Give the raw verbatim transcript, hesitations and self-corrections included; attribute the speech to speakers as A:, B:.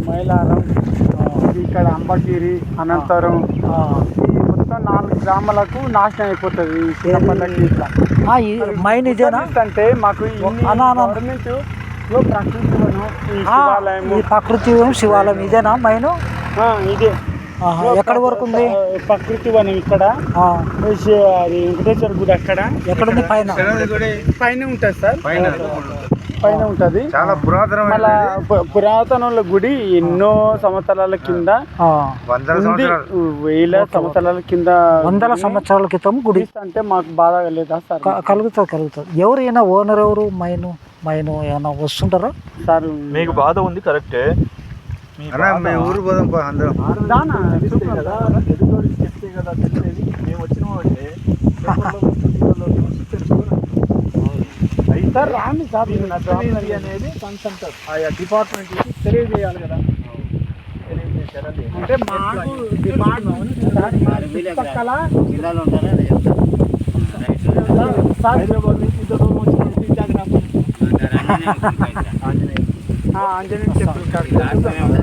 A: మైలారం, ఇక్కడ అంబగిరి, అనంతరం ఈ మొత్తం నాలుగు గ్రామాలకు నాశనం అయిపోతుంది ఈ చిన్నపల్లకి ఇట్లా.
B: మైన్ ఇదేనా
A: అంటే మాకు గవర్నమెంట్ లో ప్రకృతి వనం, ఈ శివాలయం,
B: ఈ ప్రకృతి వనం, శివాలయం ఇదేనా మైను?
A: ఇదే.
B: ఎక్కడి వరకు ఉంది
A: ప్రకృతి వనం? ఇక్కడ అది వెంకటేశ్వర గుడి అక్కడ. ఎక్కడ ఉంది? పైన పైన ఉంటుంది సార్, పైన ఉంటుంది.
C: చాలా పురాతన
A: మళ్ళా పురాతన గుడి ఎన్నో సంవత్సరాల కింద ఉంది, వేల సంవత్సరాల కింద,
B: వందల సంవత్సరాల క్రితం గుడి
A: అంటే మాకు బాధ లేదా సార్?
B: కలుగుతుంది కలుగుతుంది. ఎవరైనా ఓనర్ ఎవరు? మైను మైను ఏమైనా వస్తుంటారా
A: సార్?
D: మీకు బాధ ఉంది కరెక్టే.
C: ఊరు పోదాం అందరం.
D: మేము వచ్చినామంటే
A: సార్ రాండి సార్,
D: అనేది కన్సల్ట్ ఆయా డిపార్ట్మెంట్కి తెలియజేయాలి కదా.
A: అంటే మాకు డిపార్ట్మెంట్ చుట్టుపక్కల
D: హైదరాబాద్ నుంచి ఇంత దూరం వచ్చిన
A: ఆంజనేయ టెంపుల్